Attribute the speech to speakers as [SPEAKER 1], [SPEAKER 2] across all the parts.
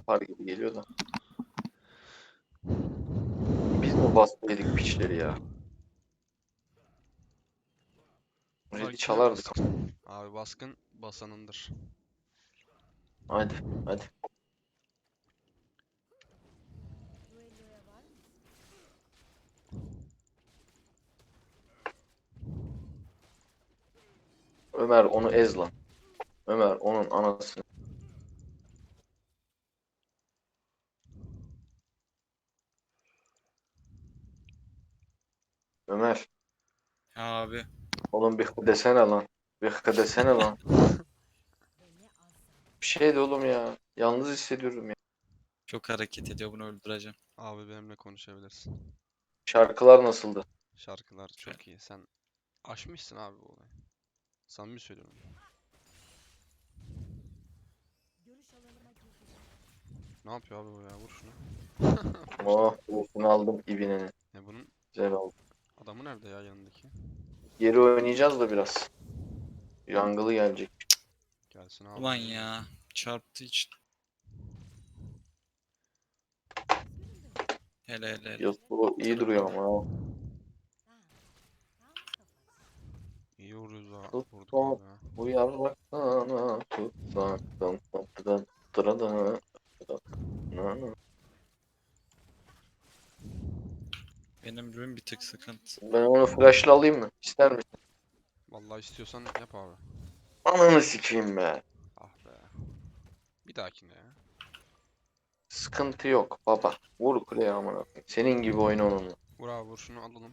[SPEAKER 1] yapar gibi geliyor da. Biz mi bastıydık piçleri ya?
[SPEAKER 2] Fark
[SPEAKER 1] Red'i
[SPEAKER 2] etmez.
[SPEAKER 1] çalardık.
[SPEAKER 2] Abi baskın basanındır.
[SPEAKER 1] Hadi hadi. Ömer onu ez lan. Ömer onun anasını. Ömer.
[SPEAKER 3] Abi
[SPEAKER 1] Oğlum bir desene lan. Bir desene lan. Bir şey de oğlum ya. Yalnız hissediyorum ya.
[SPEAKER 3] çok hareket ediyor, bunu öldüreceğim.
[SPEAKER 2] Abi benimle konuşabilirsin.
[SPEAKER 1] Şarkılar nasıldı?
[SPEAKER 2] Şarkılar
[SPEAKER 3] Ben
[SPEAKER 2] çok iyi. Sen aşmışsın abi bu olayı. Samimi söylüyorum. Ne yapıyor abi bu ya? Vur şunu.
[SPEAKER 1] Oh, olsun aldım ibineni.
[SPEAKER 2] Ya bunun
[SPEAKER 1] Güzel oldu.
[SPEAKER 2] adamı nerede ya yanındaki?
[SPEAKER 1] Geri oynayacağız da biraz. Yangılı gelecek.
[SPEAKER 2] Gelsin abi
[SPEAKER 3] Ulan
[SPEAKER 2] buraya.
[SPEAKER 3] ya, çarptı için. Hele hele hele.
[SPEAKER 1] Yasuo iyi duruyor
[SPEAKER 3] Tırpanı.
[SPEAKER 1] ama.
[SPEAKER 2] İyi vuruyoruz ha. Vurduk
[SPEAKER 1] Tuttum
[SPEAKER 2] abi ha.
[SPEAKER 1] uyarlaksana tutsaktım tatlıdan tırada.
[SPEAKER 3] Benim ürün bir tık sıkıntı.
[SPEAKER 1] Ben onu flash'la alayım mı? İster misin?
[SPEAKER 2] Vallahi istiyorsan yap abi.
[SPEAKER 1] Ananı sikeyim be.
[SPEAKER 2] Ah be. Bir dahakine ya.
[SPEAKER 1] Sıkıntı yok baba. Vur kuleye amına koyayım. Senin gibi oyna onunla.
[SPEAKER 2] Vur abi vur şunu alalım.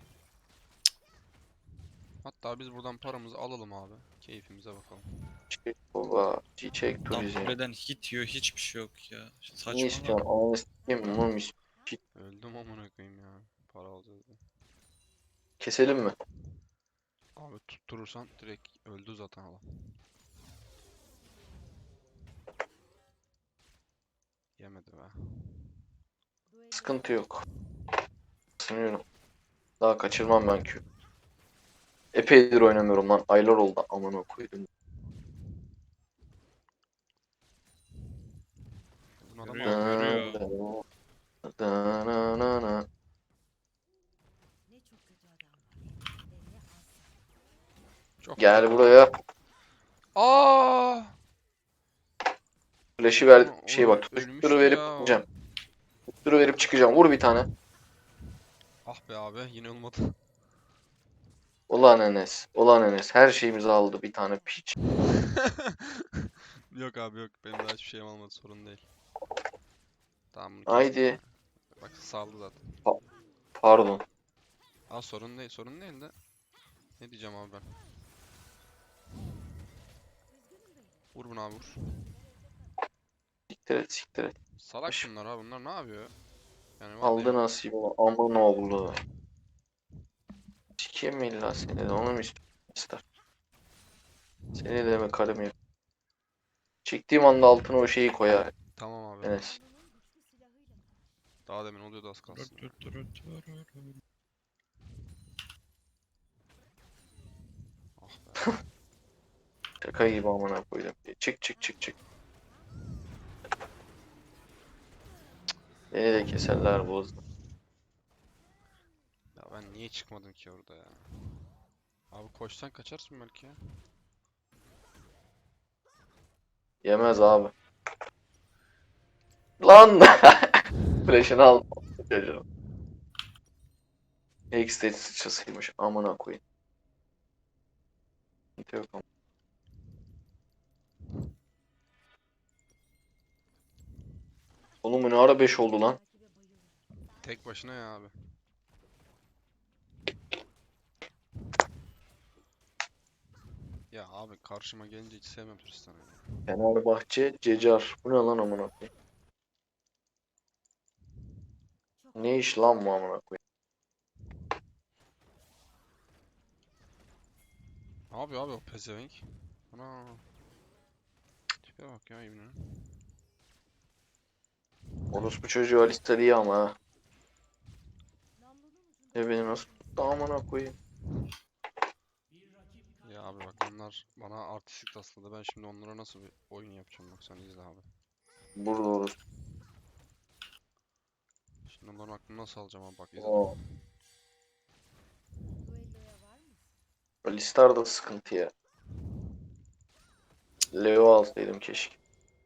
[SPEAKER 2] Hatta biz buradan paramızı alalım abi. Keyfimize bakalım.
[SPEAKER 1] Çiçek baba. Çiçek
[SPEAKER 3] Tam
[SPEAKER 1] turizm.
[SPEAKER 3] kuleden hit yiyor, hiçbir şey yok ya.
[SPEAKER 1] Ne
[SPEAKER 3] Saçmalama.
[SPEAKER 1] istiyorsun? Ananı sikeyim mi? Mum istiyorsun.
[SPEAKER 2] Öldüm amına koyayım ya. Para alacağız diye.
[SPEAKER 1] Keselim mi?
[SPEAKER 2] Abi tutturursan direkt öldü zaten adam. Yemedi be.
[SPEAKER 1] Sıkıntı yok. Sınıyorum. Daha kaçırmam ben Q. Epeydir oynamıyorum lan. Aylar oldu amına koydum.
[SPEAKER 2] Bunun adamı
[SPEAKER 3] Görüyor,
[SPEAKER 2] aldı.
[SPEAKER 3] görüyor.
[SPEAKER 2] Çok güzel
[SPEAKER 1] Gel
[SPEAKER 2] abi.
[SPEAKER 1] buraya.
[SPEAKER 2] Aa!
[SPEAKER 1] Flash'ı ver.
[SPEAKER 2] Onu,
[SPEAKER 1] Şey
[SPEAKER 2] onu
[SPEAKER 1] bak. Tutuşturu
[SPEAKER 2] ölmüştü
[SPEAKER 1] verip
[SPEAKER 2] ya o.
[SPEAKER 1] çıkacağım. Tutuşturu verip çıkacağım. Vur bir tane.
[SPEAKER 2] Ah be abi yine olmadı.
[SPEAKER 1] Ulan Enes. Ulan Enes. Her şeyimizi aldı bir tane piç.
[SPEAKER 2] Yok abi yok. Benim daha hiçbir şeyim olmadı. Sorun değil. Tamam bunu kestik ya.
[SPEAKER 1] Haydi.
[SPEAKER 2] Bak saldı zaten.
[SPEAKER 1] Pardon.
[SPEAKER 2] Aa sorun değil. Sorun değil de. Ne diyeceğim abi ben? Vur bunu abi vur.
[SPEAKER 1] Siktir et siktir et.
[SPEAKER 2] Salak bunlar ha. Bunlar ne yapıyor? Yani
[SPEAKER 1] Aldı
[SPEAKER 2] vallahi
[SPEAKER 1] nasibini. Aman oğlu. Sikeyim mi illa seni de onu mu ister? Seni de mi karım yap? Çektiğim anda altına o şeyi koyar
[SPEAKER 2] tamam abi.
[SPEAKER 1] Enes.
[SPEAKER 2] Daha demin oluyordu az kalsın ya. Ah be.
[SPEAKER 1] Şaka gibi amına koydum. Çık çık çık çık. Beni de keserler bu hızla.
[SPEAKER 2] Ya ben niye çıkmadım ki orada ya? Abi koşsan kaçarsın belki ya.
[SPEAKER 1] Yemez abi. Lan! Flash'ını al. Çocuğum. X-State sıçrasıymış. Amına koyayım. Sıkıntı yok ama. Oğlum bu ne ara 5 oldu lan?
[SPEAKER 2] Tek başına ya abi. Ya abi karşıma gelince hiç sevmem Tristan'ı ya.
[SPEAKER 1] Fenerbahçe, Cecar. Bu ne lan amına koyayım? Ne iş lan bu amına koyayım?
[SPEAKER 2] Ne yapıyor abi o pezevenk? Ana. Tipe bak ya İbni'nin.
[SPEAKER 1] Orospu çocuğu Alistar iyi ama ha. Ne beni nasıl tuttu amına koyayım?
[SPEAKER 2] Ya abi bak onlar bana artistik tasladı. Ben şimdi onlara nasıl bir oyun yapacağım bak sen izle abi.
[SPEAKER 1] Burada orospu.
[SPEAKER 2] Ben onların aklını nasıl alacağım abi bak izle.
[SPEAKER 1] Oo. Alistar da sıkıntı ya. Leo alsaydım keşke.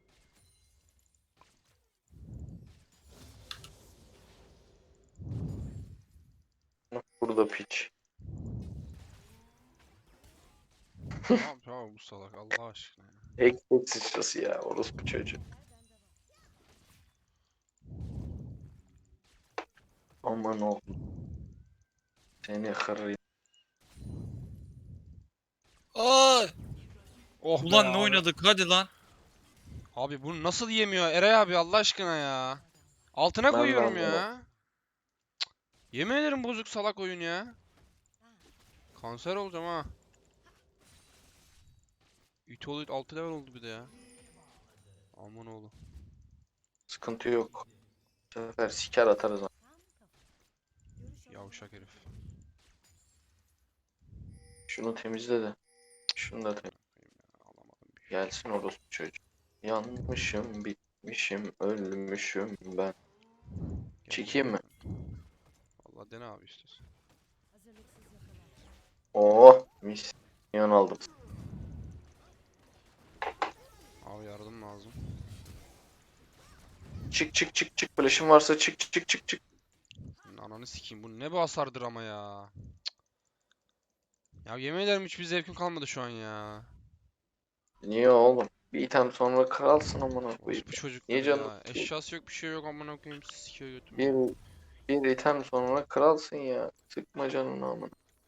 [SPEAKER 1] Burada piç.
[SPEAKER 2] Ne yapıyor abi bu salak Allah aşkına ya.
[SPEAKER 1] Tek sıçrası ya. Orospu çocuğu. Aman oğlum. Seni kırayım.
[SPEAKER 3] Aa!
[SPEAKER 2] Oh be
[SPEAKER 3] Ulan ne
[SPEAKER 2] abi.
[SPEAKER 3] oynadık hadi lan.
[SPEAKER 2] Abi bunu nasıl yemiyor Eray abi Allah aşkına ya. Altına
[SPEAKER 1] Ben de
[SPEAKER 2] koyuyorum
[SPEAKER 1] anlamadım.
[SPEAKER 2] ya. Yemin ederim bozuk salak oyun ya. Kanser olacağım ha. İtoluyut 6 level oldu bir de ya. Aman oğlum.
[SPEAKER 1] Sıkıntı yok. Bu sefer siker atarız.
[SPEAKER 2] Yavşak herif.
[SPEAKER 1] Şunu temizle de. Şunu da temizle.
[SPEAKER 2] Alamadım bir şey.
[SPEAKER 1] Gelsin orospu çocuğu. Yanmışım, bitmişim, ölmüşüm ben. Çekeyim mi?
[SPEAKER 2] Vallahi dene abi istiyorsan.
[SPEAKER 1] Oh, mis. Yan aldım.
[SPEAKER 2] Abi yardım lazım.
[SPEAKER 1] Çık çık çık çık. Flash'ın varsa çık çık çık çık çık.
[SPEAKER 2] Senin ananı sikeyim. Bu ne bu hasardır ama ya. Ya yemin ederim hiçbir zevkim kalmadı şu an ya.
[SPEAKER 1] Niye oğlum? Bir item sonra kralsın amına koyayım.
[SPEAKER 2] Bu çocukları
[SPEAKER 1] Niye canım?
[SPEAKER 2] ya. Eşyası yok bir şey yok amına koyayım sikiyor götümü.
[SPEAKER 1] Bir, bir item sonra kralsın ya. Sıkma canını amına.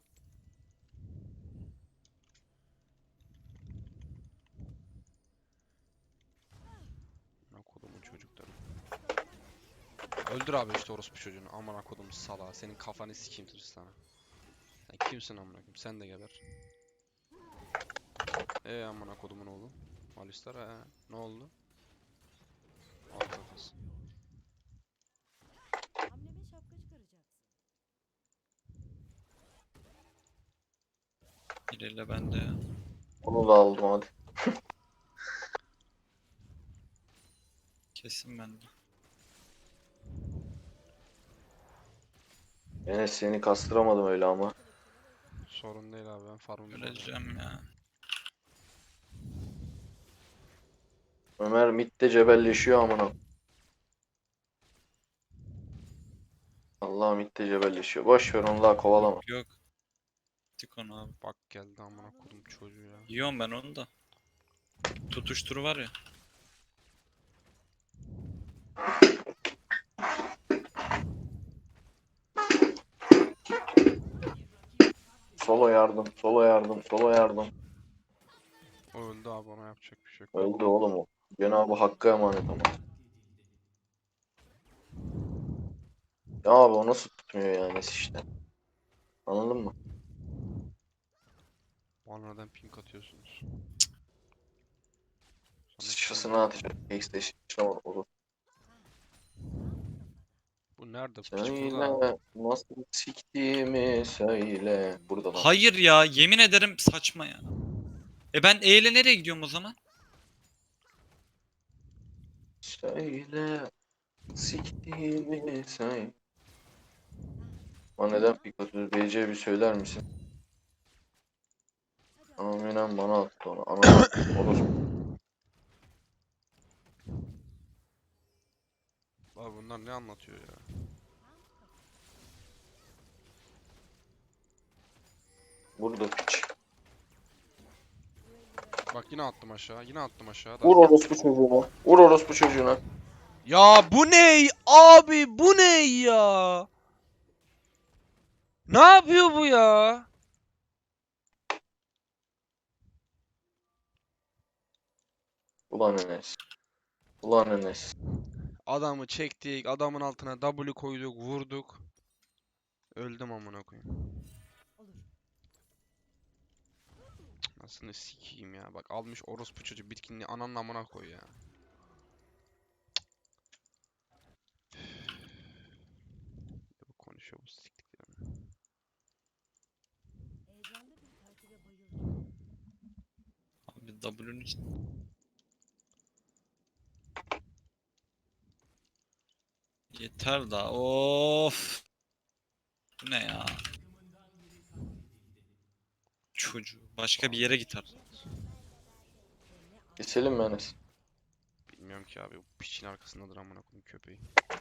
[SPEAKER 2] Amına kodumun çocukları. Öldür abi işte orospu çocuğunu. Amına kodum salağı. Senin kafanı sikeyim Tristan'a. Sen kimsin amına koyayım? Sen de geber. Amına kodumun oğlu. Alistar ne oldu? Al kafası.
[SPEAKER 4] Hamleme şapka çıkaracaksın.
[SPEAKER 3] İlerle bende ya.
[SPEAKER 1] Onu da aldım hadi.
[SPEAKER 3] Kesin bende.
[SPEAKER 1] Enes seni kastıramadım öyle ama.
[SPEAKER 2] Sorun değil abi ben farmımı alıyorum.
[SPEAKER 3] Göreceğim ya.
[SPEAKER 1] Ömer midde cebelleşiyor amına. Allah midde cebelleşiyor. Boş ver onu daha kovalama.
[SPEAKER 3] Yok. Tik onu abi.
[SPEAKER 2] Bak geldi amına kodum çocuğu ya.
[SPEAKER 3] Yiyorum ben onu da. Tutuşturu var ya.
[SPEAKER 1] Solo yardım, solo yardım, solo yardım.
[SPEAKER 2] O öldü abi ona yapacak bir şey yok.
[SPEAKER 1] Öldü oğlum o. Cenab-ı Hakk'a emanet ama. Ya abi o nasıl tutmuyor yani işte. Anladın mı?
[SPEAKER 2] Bana neden pink atıyorsunuz? Sana
[SPEAKER 1] Sıçrasını atacak. X'de sıçra olur.
[SPEAKER 2] Bu nerede? Piç burada.
[SPEAKER 1] Söyle nasıl siktiğimi söyle. Burada lan.
[SPEAKER 3] Hayır ya yemin ederim saçma ya. Ben E ile nereye gidiyorum o zaman?
[SPEAKER 1] Söyle siktiğimi söyle. Bana neden pik atıyoruz? BC bir söyler misin? Aminem bana attı onu. Ana olur.
[SPEAKER 2] Abi bunlar ne anlatıyor ya?
[SPEAKER 1] Burada piç.
[SPEAKER 2] Bak yine attım aşağı. Yine attım aşağı.
[SPEAKER 1] Vur orospu çocuğuna. Vur orospu çocuğuna.
[SPEAKER 2] Ya bu ne? Abi bu ne ya? Ne yapıyor bu ya?
[SPEAKER 1] Ulan Enes. Ulan Enes.
[SPEAKER 2] Adamı çektik. Adamın altına W koyduk. Vurduk. Öldüm amına koyayım.
[SPEAKER 4] Olur.
[SPEAKER 2] Nasıl sikeyim ya. Bak almış orospu çocuğu bitkinliği ananın amına koy ya. Bu konuşuyor bu siktiklerim.
[SPEAKER 4] Heyecanlı bir takibe bayıldım.
[SPEAKER 3] Abi W'nun için. Yeter daha. Of. Bu ne ya? Çocuğu. Başka bir yere git artık.
[SPEAKER 1] Keselim mi Enes?
[SPEAKER 2] Bilmiyorum ki abi. Bu piçin arkasındadır amına koyayım köpeği.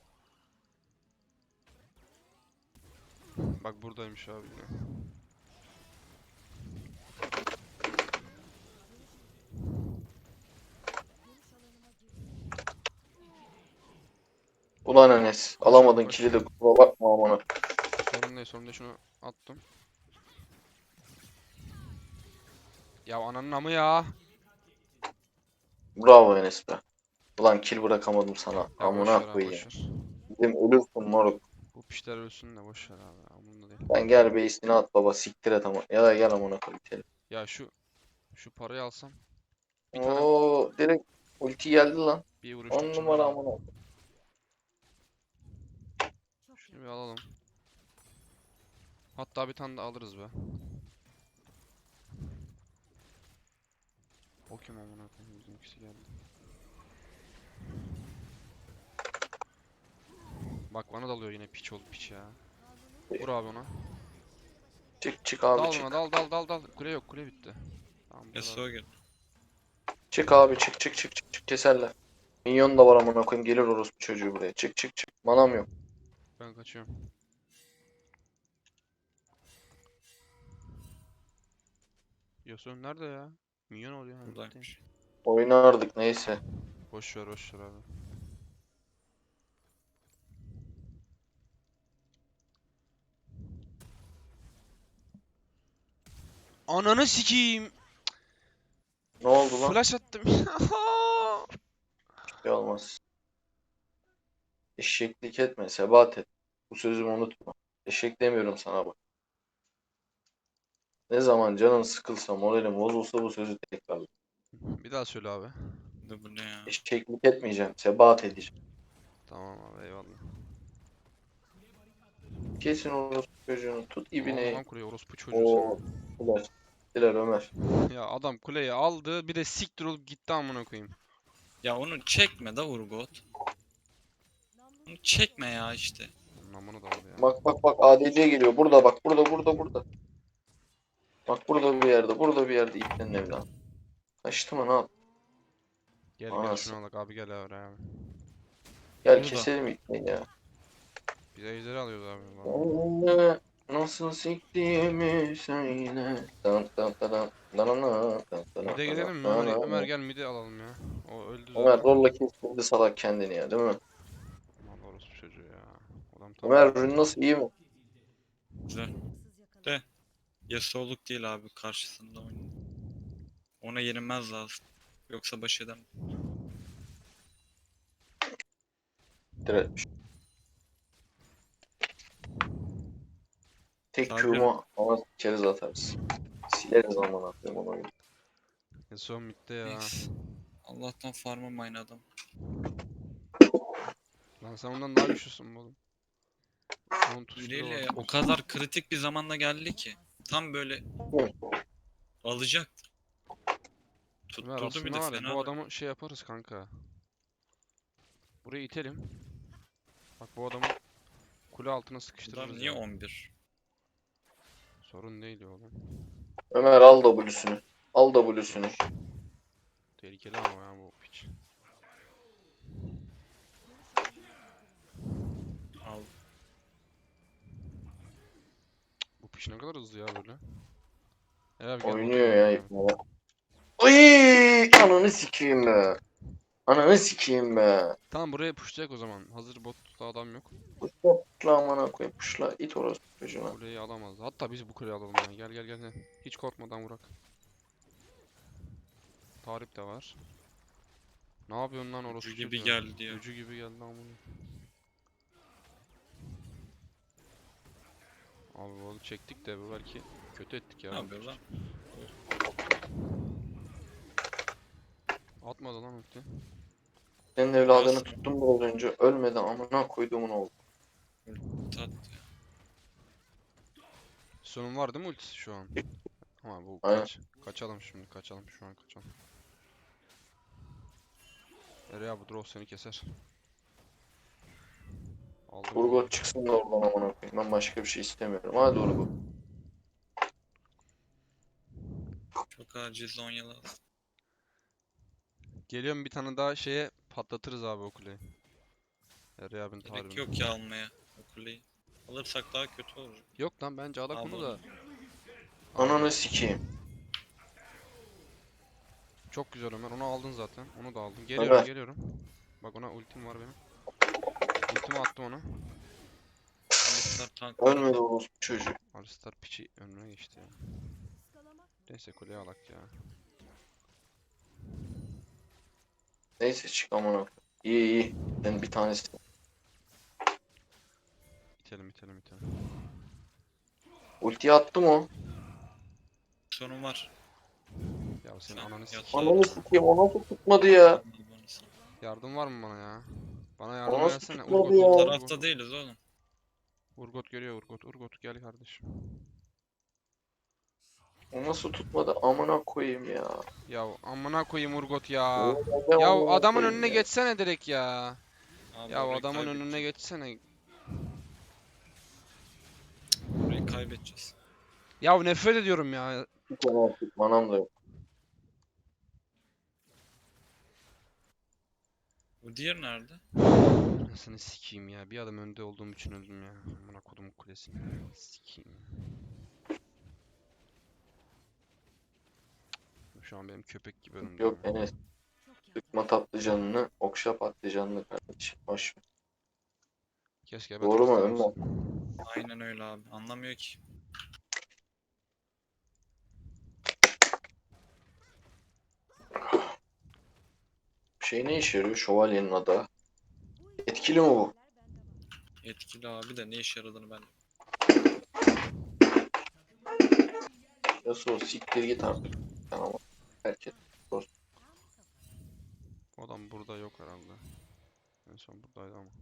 [SPEAKER 2] Bak buradaymış abi yine.
[SPEAKER 1] Ulan Enes.
[SPEAKER 2] Koş
[SPEAKER 1] Alamadın
[SPEAKER 2] abi, koş.
[SPEAKER 1] kili de kusura bakma amına.
[SPEAKER 2] Sorun değil şunu attım. Ya ananın amı ya.
[SPEAKER 1] Bravo Enes be. Ulan kill bırakamadım sana.
[SPEAKER 2] Ya boş
[SPEAKER 1] Amına
[SPEAKER 2] ver abi
[SPEAKER 1] koyayım.
[SPEAKER 2] boş ver.
[SPEAKER 1] Dedim ölürsün moruk.
[SPEAKER 2] Bu pişler ölsün de boş ver abi. Umurumda değil.
[SPEAKER 1] Sen gel base'ini at baba siktir et ama. Ya da gel amına koy bitelim.
[SPEAKER 2] Ya şu parayı alsam bir tane
[SPEAKER 1] Oo direkt ulti geldi lan.
[SPEAKER 2] bir vuruş
[SPEAKER 1] 10
[SPEAKER 2] tutacağım
[SPEAKER 1] numara
[SPEAKER 2] abi.
[SPEAKER 1] amına.
[SPEAKER 4] Çok
[SPEAKER 2] Şunu bir alalım. Hatta bir tane de alırız be. O kim amına koyayım bizimkisi geldi. Bak bana dalıyor yine piç ol piç ya. Vur abi ona.
[SPEAKER 1] Çık çık abi
[SPEAKER 2] Dal
[SPEAKER 1] çık.
[SPEAKER 2] buna dal. Kule yok kule bitti. Tamam bu kadar.
[SPEAKER 3] Yasuo gel.
[SPEAKER 1] Çık abi çık çık çık çık çık keserler. Minyon da var amına koyayım gelir orospu çocuğu buraya. Çık çık çık. Manam yok.
[SPEAKER 2] Ben kaçıyorum. Yasuo nerede ya? Minyon oluyor ha. bitti.
[SPEAKER 3] Buradaymış.
[SPEAKER 1] Oynardık neyse.
[SPEAKER 2] Boş ver abi. Ananı sikeyim.
[SPEAKER 1] Ne oldu lan?
[SPEAKER 2] Flash attım.
[SPEAKER 1] Bir şey olmaz. Eşeklik etme, sebat et. Bu sözümü unutma. Eşek demiyorum sana bak. Ne zaman canın sıkılsa, moralin bozulsa bu sözü tekrarla.
[SPEAKER 2] Bir daha söyle abi.
[SPEAKER 3] Bu ne ya?
[SPEAKER 1] Eşeklik etmeyeceğim, sebat edeceğim.
[SPEAKER 2] Tamam abi eyvallah.
[SPEAKER 1] Kesin orospu çocuğunu, tut
[SPEAKER 2] Aldı
[SPEAKER 1] ibine.
[SPEAKER 2] lan kuleyi orospu çocuğu
[SPEAKER 1] Oo,
[SPEAKER 2] seni.
[SPEAKER 1] Diler, Diler Ömer.
[SPEAKER 2] Ya adam kuleyi aldı bir de siktir olup gitti amına koyayım.
[SPEAKER 3] Ya onu çekme da Urgot. Onu çekme ya işte.
[SPEAKER 2] Amına da aldı ya.
[SPEAKER 1] Bak bak bak ADC geliyor. Burada bak, burada. Bak burada bir yerde, burada bir yerde iplerin evladım. Kaçtı mı ne yap?
[SPEAKER 2] Gel
[SPEAKER 1] Anası.
[SPEAKER 2] şunu alak abi gel oraya abi.
[SPEAKER 1] Gel
[SPEAKER 3] Burada.
[SPEAKER 1] keselim ipleyi ya.
[SPEAKER 2] Biz ejderi alıyoruz abi. Vallahi.
[SPEAKER 1] Önüne nasıl siktiğimi söyle. Dan dan dan dan dan dan dan dan
[SPEAKER 2] Mide gelelim mi
[SPEAKER 1] dan
[SPEAKER 2] Ömer?
[SPEAKER 1] dan.
[SPEAKER 2] Ömer gel mide alalım ya. O öldü
[SPEAKER 1] Ömer
[SPEAKER 2] zaten.
[SPEAKER 1] rolla kestirdi salak kendini ya değil mi?
[SPEAKER 2] Allah orospu çocuğu ya. Adam tam
[SPEAKER 1] Ömer ürün nasıl iyi mi?
[SPEAKER 3] Güzel.
[SPEAKER 4] haksız yakaladı.
[SPEAKER 3] De. Yasuo'luk değil abi karşısında oynuyor. Ona yenilmez lazım. Yoksa baş edemem.
[SPEAKER 1] Diretmiş. Tek
[SPEAKER 3] Sadece-
[SPEAKER 1] Q'mu ama keriz atarız. Sileriz aman atayım onu oyunu.
[SPEAKER 2] son midde ya.
[SPEAKER 3] Neyse. Allah'tan farmım aynı adam.
[SPEAKER 2] Lan sen ondan daha güçlüsün bu oğlum. Onun tuşları
[SPEAKER 3] Biriyle
[SPEAKER 2] var.
[SPEAKER 3] o kadar kritik bir zamanda geldi ki. Tam böyle alacaktı.
[SPEAKER 2] Ömer
[SPEAKER 3] Tutturdu bir
[SPEAKER 2] aslında
[SPEAKER 3] de
[SPEAKER 2] var ya
[SPEAKER 3] fena.
[SPEAKER 2] bu adamı şey yaparız kanka. Burayı itelim. Bak bu adamı kule altına sıkıştırırız
[SPEAKER 3] Adam niye
[SPEAKER 2] ya.
[SPEAKER 3] 11?
[SPEAKER 2] Sorun değil ya oğlum.
[SPEAKER 1] Ömer al W'sünü. Al W'sünü.
[SPEAKER 2] Tehlikeli ama ya bu piç.
[SPEAKER 3] Al.
[SPEAKER 2] Bu piç ne kadar hızlı ya böyle. Gel abi gel
[SPEAKER 1] Oynuyor
[SPEAKER 2] botu
[SPEAKER 1] ya
[SPEAKER 2] alalım
[SPEAKER 1] ipne. Uy, ananı sikeyim be. Ananı sikeyim be.
[SPEAKER 2] Tamam buraya pushlayacak o zaman. Hazır botta adam yok.
[SPEAKER 1] Puşla amına koyayım puşla. İt orospu çocuğuna.
[SPEAKER 2] Kuleyi alamaz. Hatta biz bu kuleyi alalım ya. Gel. Hiç korkmadan vurak. Tarip de var. Ne yapıyorsun lan orospu
[SPEAKER 3] gibi
[SPEAKER 2] çocuğu?
[SPEAKER 3] geldi ya.
[SPEAKER 2] Gücü gibi geldi lan bunu. Abi bunu çektik de bu belki kötü ettik ya.
[SPEAKER 3] Ne yapıyor lan?
[SPEAKER 2] Atmadı lan ulti.
[SPEAKER 1] Senin evladını
[SPEAKER 3] Nasıl?
[SPEAKER 1] tuttum biraz önce. Ölmedi amına koyduğumun oğlu.
[SPEAKER 3] Tat.
[SPEAKER 2] Sonun var değil mi ultisi şu an? Ama bu
[SPEAKER 1] Aynen.
[SPEAKER 2] kaçalım şimdi kaçalım şu an kaçalım. Nereye bu draw seni keser. Aldım.
[SPEAKER 1] Urgot çıksın da oradan amına koyayım. Ben başka bir şey istemiyorum. Hadi Urgot.
[SPEAKER 3] Çok acil Zonya lazım.
[SPEAKER 2] Geliyorum, bir tane daha şeye patlatırız abi o kuleyi. Eray abinin
[SPEAKER 3] Gerek
[SPEAKER 2] tarifini.
[SPEAKER 3] yok ya almaya o kuleyi. Alırsak daha kötü olur.
[SPEAKER 2] Yok lan, bence alak
[SPEAKER 3] Abi
[SPEAKER 2] onu da.
[SPEAKER 1] Ananı sikeyim.
[SPEAKER 2] Çok güzel Ömer. Onu aldın zaten. Onu da aldın.
[SPEAKER 1] Ömer.
[SPEAKER 2] Geliyorum, geliyorum. Bak, ona ultim var benim. Ultimi attım ona.
[SPEAKER 3] Alistar tank.
[SPEAKER 1] Ölmedi orospu çocuğu.
[SPEAKER 2] Alistar piçi önüne geçti ya.
[SPEAKER 4] Iskalamak mı?
[SPEAKER 2] Neyse, kuleye alak ya.
[SPEAKER 1] Neyse çık amına koyayım. İyi iyi. Ben bir tanesi.
[SPEAKER 2] İtelim, itelim, itelim.
[SPEAKER 1] Ultiyi attım o.
[SPEAKER 3] Sorun var.
[SPEAKER 2] Ya senin
[SPEAKER 3] Sen
[SPEAKER 2] ananı
[SPEAKER 3] yat
[SPEAKER 2] sikeyim.
[SPEAKER 1] Ananı sikeyim. O nasıl tutmadı ya?
[SPEAKER 2] Yardım var mı bana ya? Bana
[SPEAKER 1] O
[SPEAKER 2] yardım
[SPEAKER 1] nasıl
[SPEAKER 2] etsene.
[SPEAKER 1] tutmadı
[SPEAKER 2] Urgot,
[SPEAKER 1] ya?
[SPEAKER 3] Bu
[SPEAKER 2] Urgot,
[SPEAKER 3] tarafta
[SPEAKER 2] Urgot.
[SPEAKER 3] değiliz oğlum.
[SPEAKER 2] Urgot geliyor, Urgot. Urgot gel kardeşim.
[SPEAKER 1] O nasıl tutmadı? Amına koyayım ya.
[SPEAKER 2] Ya amına koyayım Urgot ya.
[SPEAKER 1] Neden
[SPEAKER 2] Ya
[SPEAKER 1] amına
[SPEAKER 2] adamın
[SPEAKER 1] koyayım
[SPEAKER 2] önüne
[SPEAKER 1] ya?
[SPEAKER 2] geçsene direkt ya.
[SPEAKER 3] Abi
[SPEAKER 2] Ya
[SPEAKER 3] orayı
[SPEAKER 2] adamın önüne
[SPEAKER 3] kaybedeceğiz.
[SPEAKER 2] geçsene.
[SPEAKER 3] Orayı kaybedeceğiz.
[SPEAKER 2] Ya nefret ediyorum ya.
[SPEAKER 1] Bir tane artık manam da yok.
[SPEAKER 3] Bu diğer nerede?
[SPEAKER 2] Anasını sikeyim ya. Bir adım önde olduğum için öldüm ya. Amına kodum kulesini. Sikeyim. Şu an benim köpek gibi önümde.
[SPEAKER 1] Yok
[SPEAKER 2] ya.
[SPEAKER 1] Enes.
[SPEAKER 4] Çok yakın.
[SPEAKER 1] Sıkma tatlı canını. Okşa patlı canını kardeşim. Hoş ver.
[SPEAKER 2] Keşke
[SPEAKER 1] Doğru mu
[SPEAKER 2] Battlestar
[SPEAKER 1] Ömer?
[SPEAKER 2] olsa.
[SPEAKER 3] Aynen öyle abi. Anlamıyor ki.
[SPEAKER 1] Şey ne işe yarıyor? Şövalyenin adı.
[SPEAKER 4] Bu
[SPEAKER 1] Etkili mi bu?
[SPEAKER 4] işler bende var.
[SPEAKER 3] Etkili abi de ne işe yaradığını ben.
[SPEAKER 1] Nasıl o? Siktir git artık. Tamam. Herkes.
[SPEAKER 4] Tam kafa.
[SPEAKER 2] O adam burada yok herhalde. En son buradaydı ama.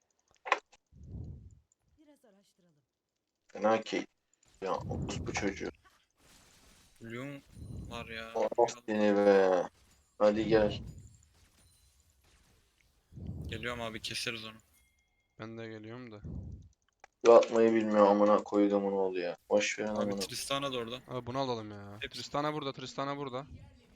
[SPEAKER 4] Biraz araştıralım.
[SPEAKER 1] Fena keyif. Ya bu çocuğu.
[SPEAKER 3] Bloom var ya.
[SPEAKER 1] Allah seni be. Hadi gel.
[SPEAKER 3] Geliyorum abi keseriz onu.
[SPEAKER 2] Ben de geliyorum da.
[SPEAKER 1] Bu atmayı bilmiyor amına koyduğumun oğlu ya. Boş verin
[SPEAKER 3] Abi
[SPEAKER 1] amına.
[SPEAKER 3] Tristana da orada.
[SPEAKER 2] Abi bunu alalım ya.
[SPEAKER 3] Hepsi.
[SPEAKER 2] Tristana burada, Tristana burada.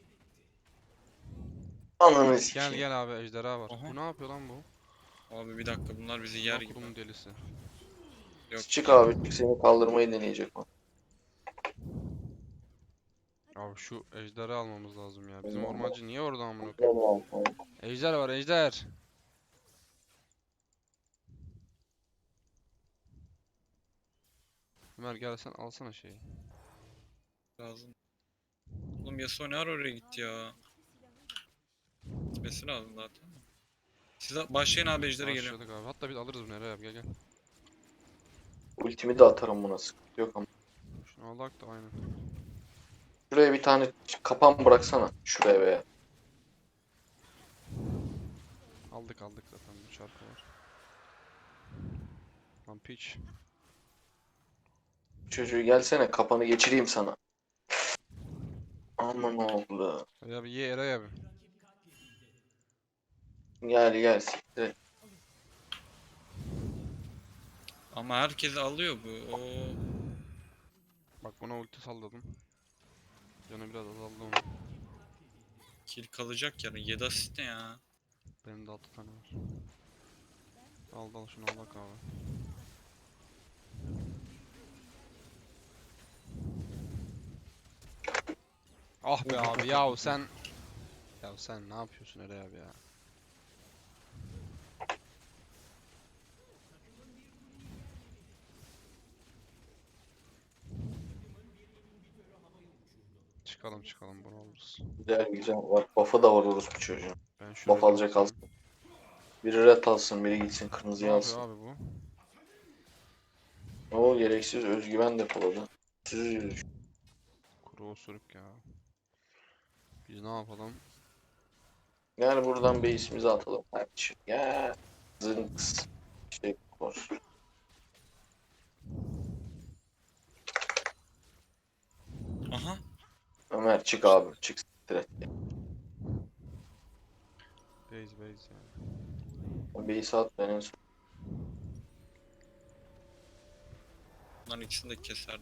[SPEAKER 1] Ananı
[SPEAKER 2] Gel
[SPEAKER 1] sikeyim.
[SPEAKER 2] gel abi, ejderha var.
[SPEAKER 3] Aha.
[SPEAKER 2] Bu ne yapıyor lan bu?
[SPEAKER 3] Abi bir dakika bunlar bizi yer gibi.
[SPEAKER 2] Kurumun delisi.
[SPEAKER 3] Yok.
[SPEAKER 1] Çık abi çık, seni kaldırmayı deneyecek o.
[SPEAKER 2] Abi şu ejderi almamız lazım ya. Bizim
[SPEAKER 1] Tamam.
[SPEAKER 2] ormancı niye orada amına koyayım? Ejder var, ejder. Ömer gel sen alsana şeyi.
[SPEAKER 3] Lazım. Oğlum Yasuo ne ara oraya gitti ya? Gitmesi lazım zaten. Siz başlayın abi ejdere geliyorum.
[SPEAKER 2] Başladık abi. Hatta biz alırız bunu Eray abi, gel gel.
[SPEAKER 1] Ultimi de atarım buna, sıkıntı yok ama.
[SPEAKER 2] Şunu alak da aynen.
[SPEAKER 1] Şuraya bir tane kapan bıraksana. Şuraya be.
[SPEAKER 2] Aldık aldık zaten, bu şarkı var. Lan piç.
[SPEAKER 1] Çocuğu gelsene, kapanı geçireyim sana. Aman oğlu.
[SPEAKER 2] Eray abi ye, Eray abi.
[SPEAKER 1] Gel gel siktir et.
[SPEAKER 3] Ama herkesi alıyor bu. Oo.
[SPEAKER 2] Bak buna ulti salladım. Canı biraz azaldı onun.
[SPEAKER 3] Kill kalacak ya. 7 asist ne ya?
[SPEAKER 2] Benim de 6 tane var. Al şunu alak abi. Ah be abi, yahu sen... Ya sen ne yapıyorsun Eray abi ya? Çıkalım çıkalım, bunu alırız.
[SPEAKER 1] Güzel güzel. Var. Buff'ı da var orospu çocuğun.
[SPEAKER 2] Ben şu
[SPEAKER 1] Buff
[SPEAKER 2] red'i
[SPEAKER 1] alacak
[SPEAKER 2] alsam.
[SPEAKER 1] alsın. Biri red alsın, biri gitsin
[SPEAKER 2] Ne
[SPEAKER 1] kırmızıyı
[SPEAKER 2] yapıyor
[SPEAKER 1] alsın.
[SPEAKER 2] abi bu?
[SPEAKER 1] O gereksiz özgüven depoladı. Siz yürüyüş.
[SPEAKER 2] Kuru osuruk ya. Biz ne yapalım?
[SPEAKER 1] Gel buradan base'imizi atalım kardeşim. Gel. Zınks. Şey var.
[SPEAKER 3] Aha.
[SPEAKER 1] Ömer çık abi. Çık siktir et.
[SPEAKER 2] Base yani.
[SPEAKER 1] O base'i at, ben en son.
[SPEAKER 3] Bunların ikisini de keserdim.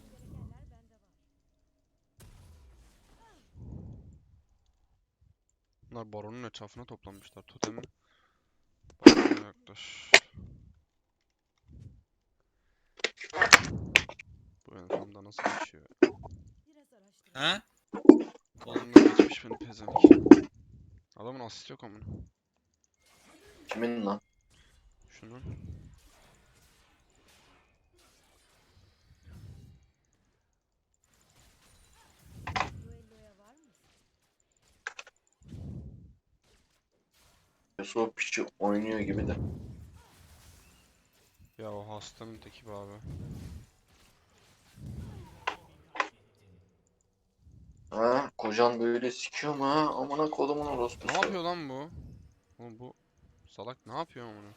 [SPEAKER 2] Bunlar baronun etrafına toplanmışlar. Totem barona yaklaş. Bu ensemda nasıl geçiyor?
[SPEAKER 4] Biraz araştıralım.
[SPEAKER 3] Ha?
[SPEAKER 2] Kolumdan geçmiş beni pezevenk. Adamın asist yok amına.
[SPEAKER 1] Kimin lan?
[SPEAKER 2] Şunun.
[SPEAKER 4] Duelloya var mısın?
[SPEAKER 1] Yasuo piçi oynuyor gibi de.
[SPEAKER 2] Ya o hastanın teki be abi.
[SPEAKER 1] Ha, kocan böyle sikiyor mu ha? Amına kodumun
[SPEAKER 2] Ne
[SPEAKER 1] orospusu.
[SPEAKER 2] yapıyor lan bu? Oğlum bu salak ne yapıyor amına?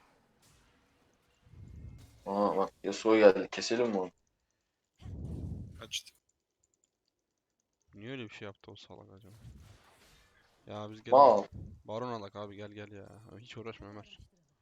[SPEAKER 1] Aa bak Yasuo geldi. Keselim mi onu?
[SPEAKER 3] Kaçtı.
[SPEAKER 2] Niye öyle bir şey yaptı o salak acaba? Ya biz gelin
[SPEAKER 1] Mal.
[SPEAKER 2] baron alak abi gel gel ya. Abi hiç uğraşma Ömer.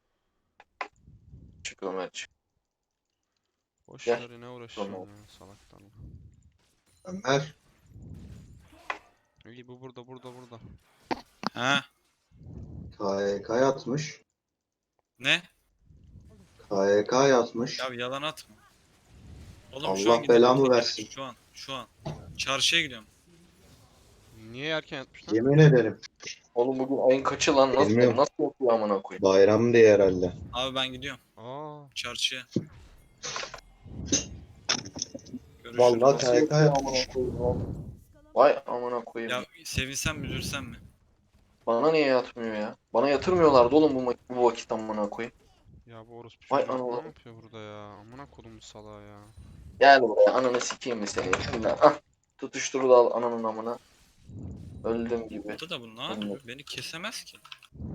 [SPEAKER 1] Çık Ömer çık.
[SPEAKER 2] Boş
[SPEAKER 1] Gel.
[SPEAKER 2] ver ne
[SPEAKER 1] Tamam.
[SPEAKER 2] uğraşıyorsun ya salaktan.
[SPEAKER 5] Ömer.
[SPEAKER 2] İyi bu burada.
[SPEAKER 3] Ha?
[SPEAKER 5] KYK yatmış.
[SPEAKER 3] Ne?
[SPEAKER 5] KYK yatmış.
[SPEAKER 3] Ya yalan atma. Oğlum
[SPEAKER 5] Allah
[SPEAKER 3] şu an gidiyorum.
[SPEAKER 5] belamı versin.
[SPEAKER 3] Şu an. Çarşıya gidiyorum.
[SPEAKER 2] Niye erken yatmış lan?
[SPEAKER 5] Yemin ederim.
[SPEAKER 1] Oğlum bugün ayın kaçı lan? Nasıl
[SPEAKER 5] Bilmiyorum.
[SPEAKER 1] yapıyor amına koyayım?
[SPEAKER 5] Bayram diye herhalde.
[SPEAKER 3] Abi ben gidiyorum.
[SPEAKER 2] Aa,
[SPEAKER 3] Çarşıya. Görüşürüz.
[SPEAKER 5] Vallahi
[SPEAKER 1] Nasıl
[SPEAKER 5] KYK
[SPEAKER 1] yapıyor
[SPEAKER 5] yatmış.
[SPEAKER 1] amına koyayım? Vay amına koyayım.
[SPEAKER 3] Ya sevinsem mi üzülsem mi?
[SPEAKER 1] Bana niye yatmıyor ya? Bana yatırmıyorlardı oğlum bu vakit amına koyayım.
[SPEAKER 2] ya bu orospu
[SPEAKER 1] Vay
[SPEAKER 2] çocuğu ne
[SPEAKER 1] analarım.
[SPEAKER 2] yapıyor burada ya? Amına kodum salağı ya.
[SPEAKER 1] Gel buraya ananı sikeyim mi seni? Şimdi ah. Tutuşturu da al ananın amına. Öldüm gibi.
[SPEAKER 3] Burada da bu ne yapıyor? Beni kesemez ki.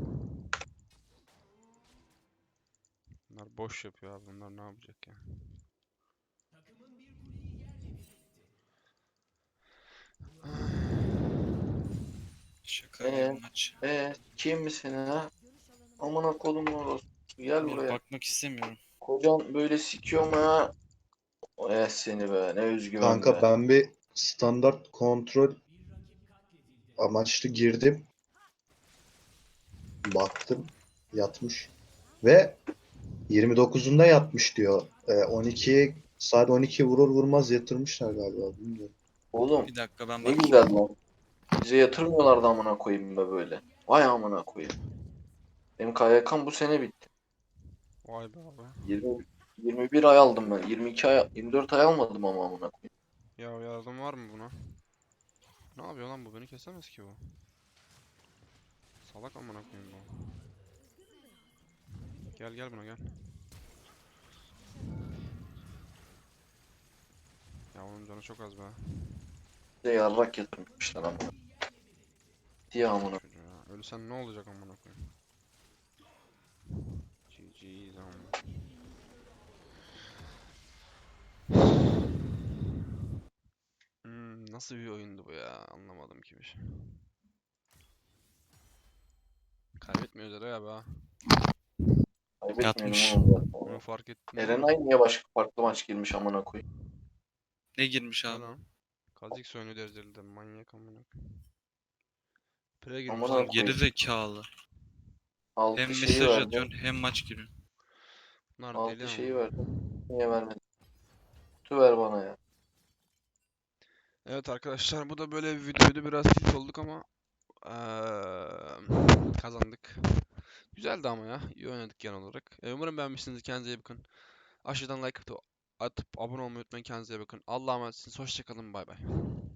[SPEAKER 2] Bunlar boş yapıyor abi. Bunlar ne yapacak ya?
[SPEAKER 3] Şaka gibi maç.
[SPEAKER 1] Kim misin ha? Amına kodumun orospu. Gel
[SPEAKER 3] Bir
[SPEAKER 1] buraya.
[SPEAKER 3] bakmak istemiyorum.
[SPEAKER 1] Kocan böyle sikiyor mu ya? Seni be ne özgüven
[SPEAKER 5] Kanka
[SPEAKER 1] be.
[SPEAKER 5] ben bir standart kontrol amaçlı girdim. Baktım. Yatmış. Ve 29'unda yatmış diyor. 12'ye saat 12 vurur vurmaz yatırmışlar galiba. Bilmiyorum.
[SPEAKER 1] Oğlum
[SPEAKER 3] Bir dakika ben
[SPEAKER 1] ne
[SPEAKER 3] bakayım.
[SPEAKER 1] güzel lan. Bize yatırmıyorlardı amına koyayım be böyle. Vay amına koyayım. Benim KYK'm bu sene bitti.
[SPEAKER 2] Vay be abi.
[SPEAKER 1] 21 ay aldım ben. 22 ay, 24 ay almadım ama amına koyayım.
[SPEAKER 2] Ya yardım var mı buna? Ne yapıyor lan bu? Beni kesemez ki bu. Salak amına koyayım bu. Gel buna gel. Ya onun canı çok az be.
[SPEAKER 1] Bize yarrak yatırmışlar ama. Diye amına.
[SPEAKER 2] Çocuğu ya. Ölsen ne olacak amına koyayım? GG zaman. Nasıl bir oyundu bu ya? Anlamadım ki bir şey. Kaybetmiyoruz ya be.
[SPEAKER 1] Kaybetmeyelim
[SPEAKER 3] Yatmış.
[SPEAKER 1] oğlum zaten.
[SPEAKER 2] Bunu fark ettin değil mi?
[SPEAKER 1] Erenay niye başka farklı maç girmiş amına koyayım?
[SPEAKER 3] Ne girmiş
[SPEAKER 2] Ne
[SPEAKER 3] abi?
[SPEAKER 2] lan? Kha'Zix oyunu dereceli manyak amına koyayım. Pre girmiş
[SPEAKER 1] Amına
[SPEAKER 2] lan.
[SPEAKER 1] koyayım.
[SPEAKER 3] Geri zekalı.
[SPEAKER 1] Altı
[SPEAKER 3] Hem
[SPEAKER 1] şeyi
[SPEAKER 3] mesaj
[SPEAKER 1] verdim.
[SPEAKER 3] atıyorsun hem maç giriyorsun.
[SPEAKER 2] Bunlar deli
[SPEAKER 1] Altı şeyi
[SPEAKER 2] ama.
[SPEAKER 1] verdim. Niye vermedin? Kutu ver bana ya.
[SPEAKER 2] Evet arkadaşlar bu da böyle bir videoydu. Biraz tilt olduk ama kazandık. Güzeldi ama ya. İyi oynadık genel olarak. Umarım beğenmişsinizdir. Kendinize iyi bakın. Aşağıdan like atıp abone olmayı unutmayın. Kendinize iyi bakın. Allah'a emanetsiniz. Hoşçakalın. Bay bay.